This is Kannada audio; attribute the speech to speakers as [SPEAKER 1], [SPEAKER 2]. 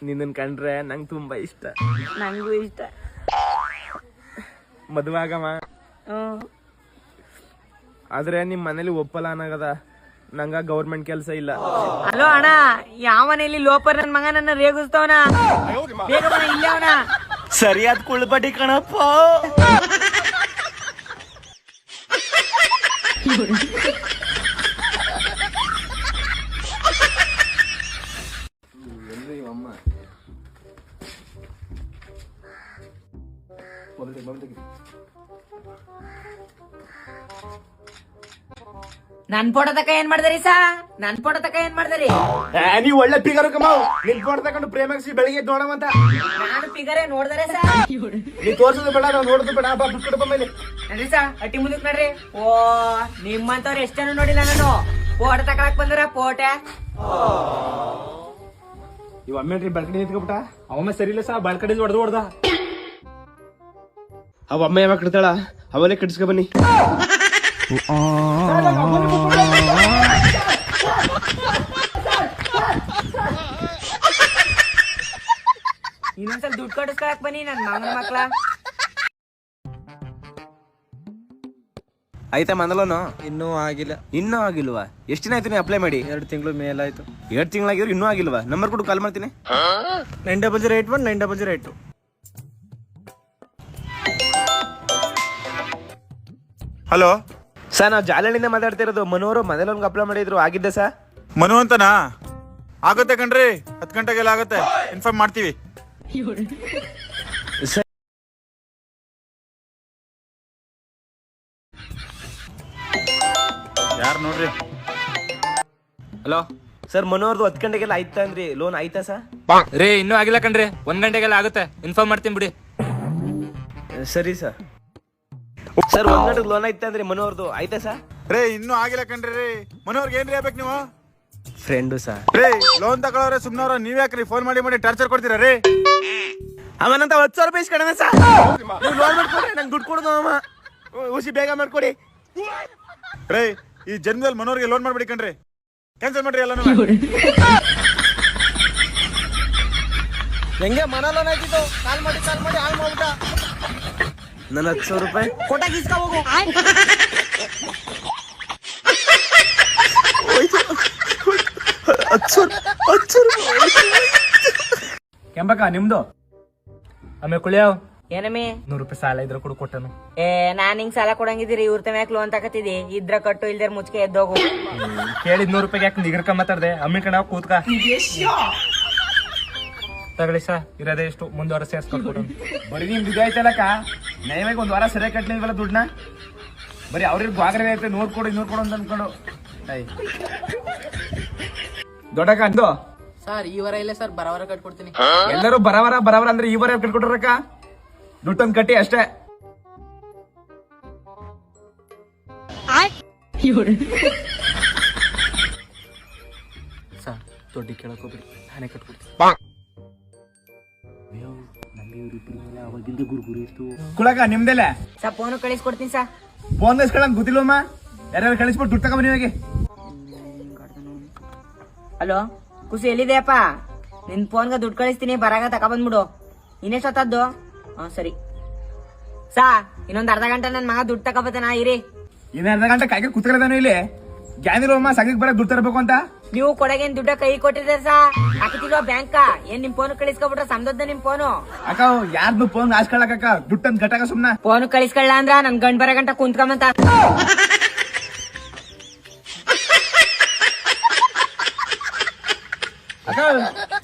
[SPEAKER 1] ನಿನ್ನನ್ ಕಂಡ್ರೆ ನಂಗೆ ತುಂಬಾ ಇಷ್ಟ.
[SPEAKER 2] ನಂಗೂ ಇಷ್ಟ.
[SPEAKER 1] ಮದುವೆ ಆಗಮ್ಮ. ಆದ್ರೆ ನಿಮ್ ಮನೇಲಿ ಒಪ್ಪಲ್ಲ ಅನ್ನಗದ. ನಂಗ ಗೌರ್ಮೆಂಟ್ ಕೆಲಸ ಇಲ್ಲ.
[SPEAKER 2] ಹಲೋ ಅಣ್ಣ, ಯಾವ ಮನೇಲಿ ಲೋಪರ್ ನನ್ ಮಗ ನನ್ನ ರೇಗಿಸ್ತವನ. ಬೇಗ ಬಾ, ಇಲ್ಲೇ ಅವನ.
[SPEAKER 1] ಸರಿಯಾದ ಕುಳ್ಬಡಿ ಕಣಪ್ಪ.
[SPEAKER 2] ನನ್ ಫೋಟೋ ತಕ ಏನ್ ಮಾಡ್ದರಿ ಸಾ? ನನ್ ಫೋಟೋ ತಕ ಏನ್ ಮಾಡ್ದರಿ?
[SPEAKER 1] ನೀವ್ ಒಳ್ಳೆ ಪಿಗರ್ ಕಮಾವ್. ನಿನ್ ಫೋಟೋ ತಕೊಂಡು ಪ್ರೇಮಿಸಿ ಬೆಳಿಗ್ಗೆ ನೋಡಮಂತ.
[SPEAKER 2] ನಾನು ಫಿಗರೇ ನೋಡ್ದರೆ ಸಾ?
[SPEAKER 1] ನೀ ತೋರ್ಸೋದು ಬೇಡ, ನಾವು ನೋಡೋದು ಬೇಡ. ಬಾ ಬಿಟ್ಕೊಡಪ್ಪ ಮೇಲೆ.
[SPEAKER 2] ನಡ್ರಿ ಸಾ, ಅಟ್ಟಿ ಮುಂದಕ್ ನಡ್ರಿ. ಓ, ನಿಮ್ಮಂತವ್ರು ಎಷ್ಟ್ ಜನ ನೋಡಿಲ್ಲ ನಾನು. ಫೋಟೋ ತಕೊಳಕ್ ಬಂದ್ರ ಫೋಟೋ.
[SPEAKER 1] ಇವ್ ಅಮ್ಮೇನ್ರಿ ಬಲ್ಕಡಿ ನಿಂತ್ಕೊಬಿಟ್ಟ. ಅವಮ್ಮ ಸರಿ ಇಲ್ಲ ಸಾ, ಬಲ್ಕಡಿ ಹೊಡೆದ. ಅವ ಅಮ್ಮ ಯಾವಾಗ ಕಡ್ತಾಳ, ಅವಲೇ ಕಟ್ಸ್ಕೊ ಬನ್ನಿ.
[SPEAKER 2] ಇನ್ನೊಂದ್ಸಲ ದುಡ್ಡು ಕಟ್ಟಿಸ್ಕೊಳಕ್ ಬನ್ನಿ ನನ್ ಮಾಮನ ಮಕ್ಳ.
[SPEAKER 1] ಆಯ್ತಾ ಮಂದಲೋನು?
[SPEAKER 3] ಇನ್ನೂ ಆಗಿಲ್ಲ.
[SPEAKER 1] ಇನ್ನೂ ಆಗಿಲ್ವಾ? ಎಷ್ಟು ದಿನ ಆಯ್ತು ನೀ ಅಪ್ಲೈ ಮಾಡಿ?
[SPEAKER 3] 2 ತಿಂಗಳು ಮೇಲಾಯ್ತು.
[SPEAKER 1] 2 ತಿಂಗಳಾಗಿದ್ರು ಇನ್ನೂ ಆಗಿಲ್ವಾ? ನಂಬರ್ ಕೊಟ್ಟು ಕಾಲ್ ಮಾಡ್ತೀನಿ.
[SPEAKER 3] 9081 9082.
[SPEAKER 4] ಹಲೋ
[SPEAKER 1] ಸರ್, ನಾವು ಜಾಲಹಳ್ಳಿಯಿಂದ ಮಾತಾಡ್ತಿರೋದು. ಮನೋರು ಮನೇಲಿ ಅಪ್ಲೈ ಮಾಡಿದ್ರು, ಆಗಿದ್ದೆ ಸರ್.
[SPEAKER 4] ಮನು ಅಂತನಾ? ಆಗುತ್ತೆ ಕಣ್ರಿ, 10 ಗಂಟೆಗೆಲ್ಲ ಆಗುತ್ತೆ. ಇನ್ಫಾರ್ಮ್ ಮಾಡ್ತೀವಿ. ಯಾರು ನೋಡ್ರಿ.
[SPEAKER 1] ಹಲೋ ಸರ್, ಮನೋರ್ದು 10 ಗಂಟೆಗೆಲ್ಲ ಆಯ್ತಾ ಅಂದ್ರಿ? ಲೋನ್ ಆಯ್ತಾ ಸರ್?
[SPEAKER 5] ರೇ, ಇನ್ನೂ ಆಗಿಲ್ಲ ಕಣ್ರಿ. 1 ಗಂಟೆಗೆಲ್ಲ ಆಗುತ್ತೆ. ಇನ್ಫಾರ್ಮ್ ಮಾಡ್ತೀನಿ ಬಿಡಿ.
[SPEAKER 1] ಸರಿ ಸರ್. ಸರ್, 1 ಗಂಟೆಗೆ ಲೋನ್ ಆಯ್ತಾ ಅಂದ್ರಿ ಮನೋರ್ದು, ಆಯ್ತಾ ಸರ್?
[SPEAKER 4] ರೇ, ಇನ್ನೂ ಆಗಿಲ್ಲ ಕಣ್ರಿ. ರೀ ಮನೋರ್ಗೆ ಏನ್ರಿ ಆಗ್ಬೇಕು ನೀವು?
[SPEAKER 1] Friend sir.
[SPEAKER 4] ರೇ, ಲೋನ್ ತಗೊಳ್ಳೋರೆ ಸುಮ್ನವ್ರ, ನೀವ್ ಯಾಕ್ರಿ ಫೋನ್ ಮಾಡಿ ಟಾರ್ಚರ್ ಕೊಡ್ತೀರಾ ರೀ?
[SPEAKER 1] ಅವನಂತ 10,000 ರೂಪಾಯಿ ಇಸ್ಕೊಡೋಣ ಸರ್. ನೀವು ಲೋನ್ ಮಾಡ್ಕೊಡ್ರಿ, ನಂಗೆ ದುಡ್ಡು ಕೊಡೋದು ಅಮ್ಮ. ಉಸಿ ಬೇಗ ಮಾಡ್ಕೊಡಿ.
[SPEAKER 4] ರೇ, ಈ ಜನ್ಮದಲ್ಲಿ ಮನೋರ್ಗೆ ಲೋನ್ ಮಾಡ್ಬಿಡಿ ಕಣ್ರಿ. ಕ್ಯಾನ್ಸಲ್ ಮಾಡ್ರಿ ಎಲ್ಲ.
[SPEAKER 3] ಹೆಂಗೆ ಮನ ಲೋನ್ ಆಯ್ತಿತ್ತು? ಕಾಲ್ ಮಾಡಿ ಹಾಳು ಮಾಡ್ಬಿಟ್ಟ.
[SPEAKER 1] ನನ್ನ 10,000 ರೂಪಾಯಿ
[SPEAKER 3] ಕೊಟ್ಟಾಗ ಇಸ್ಕ ಹೋಗು.
[SPEAKER 1] ಕೆಂಬಕ್ಕ ನಿಮ್ದು? ಆಮೇಲೆ ಕುಳಿಯಾವ್
[SPEAKER 2] ಏನಮ್ಮಿ?
[SPEAKER 1] 100 ರೂಪಾಯಿ ಸಾಲ ಇದ್ರೆ ಕೊಡು, ಕೊಟ್ಟನು.
[SPEAKER 2] ನಾನ್ ಹಿಂಗ್ ಸಾಲ ಕೊಡಂಗಿದ್ದೀರಿ? ಇವ್ರ ತಮ್ಯಾಕ್ ಲೋನ್ ತಕತಿದಿ? ಇದ್ರ ಕಟ್ಟು, ಇಲ್ದೇ ಮುಚ್ಕೆ ಎದ್ದೋಗು.
[SPEAKER 1] ಕೇಳಿದ್ 100 ರೂಪಾಯಿಗೆ ಯಾಕೆ ನಿಗರ್ಕ ಮಾತಾಡ್ದೆ? ಅಮ್ಮಿ ಕಣ ಕೂತ್ಕ. ತಗೊಳ್ಳಿ ಸಾ, ಇರೋದೇ ಎಷ್ಟು, ಮುಂದೆ ವಾರ ಸೇರ್ಸ್ಕೊಟ್ಕೊಡು. ಬರೀ ನಿಮ್ದು ಇದಾಯ್ತಲ್ಲಕ್ಕ, ನಯವಾಗಿ 1 ವಾರ ಸರಿಯಾಗಿ ಕಟ್ಲಿಲ್ವಲ್ಲ ದುಡ್ಡನ್ನ. ಬರೀ ಅವ್ರಿಗೆ ಗ್ವಾಗ್ರೆ ಐತೆ, ನೋಡ್ಕೊಡು ಅಂತ ಅನ್ಕೊಂಡು. ದೊಡ್ಡಕ್ಕ ಅಂದು
[SPEAKER 6] ಸರ್, ಈ ವಾರ ಇಲ್ಲ ಸರ್, ಬರವಾರ ಕಟ್ಕೊಡ್ತೀನಿ.
[SPEAKER 1] ಎಲ್ಲರೂ ಬರವರ ಅಂದ್ರೆ ಈ ವಾರ ಕಟ್ಕೊಟ್ರಕ್ಕ. ದುಡ್ಡೊಂದು ಕಟ್ಟಿ ಅಷ್ಟೇ.
[SPEAKER 5] ಸರ್, ದೊಡ್ಡ ಕೇಳಕೋಬಿಡಿ, ನಾನೇ ಕಟ್ಕೊಡ್ತೀನಿ.
[SPEAKER 1] ಕುಳಕ ನಿಮ್ದೆಲ್ಲ
[SPEAKER 2] ಸಾ, ಫೋನು ಕಳಿಸ್ಕೊಡ್ತೀನಿ ಸಾ.
[SPEAKER 1] ಫೋನ್ ಕಳಿಸ್ಕೊಳಂಗ್ ಗೊತ್ತಿಲ್ಲಮ್ಮ. ಯಾರ್ಯಾರು ಕಳಿಸ್ಬಿಟ್ಟು ದುಡ್ಡು ತಗೊಂಬನ್ನಿ ಇವಾಗ.
[SPEAKER 2] ಹಲೋ ಖುಷಿ, ಎಲ್ಲಿದೆಯಪ್ಪ? ನಿನ್ ಫೋನ್ಗ ದುಡ್ಡು ಕಳಿಸ್ತೀನಿ, ಬರಾಗ ತಗೊಬಂದ್ಬಿಡು. ಇನ್ನೆಷ್ಟೊತ್ತದ್ದು? ಸರಿ ಸಾ, ಇನ್ನೊಂದ್ ಅರ್ಧ ಗಂಟೆ ನನ್ ಮಗ ದುಡ್ಡು ತಗೊಬತ್ತಾನ, ಇರಿ.
[SPEAKER 1] ಇನ್ನ ಅರ್ಧ ಗಂಟೆ ಕಾಯ್ಕೆ ಕುತ್ಕೊಳ್ಳೋದಾನು ಇಲ್ಲಿ. ಗ್ಯಾನಿರೋಮ್ಮ ಸಂಘಕ್ಕೆ ಬರಕ್ ದುಡ್ಡು ತರಬೇಕು ಅಂತ.
[SPEAKER 2] ನೀವು ಕೊಡಗೇನ್ ದುಡ್ಡ ಕೈ ಕೊಟ್ಟಿದ್ದೀರ ಸಾ? ಹಾಕಿತಿಲ್ವಾ ಬ್ಯಾಂಕ್? ಏನ್ ನಿಮ್ ಫೋನ್ ಕಳಿಸ್ಕೊಬಿಟ್ರ ಸಮದದ್ದ ನಿಮ್ ಫೋನು?
[SPEAKER 1] ಅಕ್ಕ, ಯಾರ್ದು ಫೋನ್ ಆಸ್ಕೊಳಕ ದುಡ್ಡಂದ್ ಗಟ್ಟಾಗ ಸುಮ್ನ.
[SPEAKER 2] ಫೋನ್ ಕಳಿಸ್ಕೊಳ್ಳ ಅಂದ್ರ ನನ್ ಗಂಡ್ ಬರ ಗಂಟ ಕುಂತ್ಕೊಂಬಂತ.
[SPEAKER 1] ಅಕ್ಕ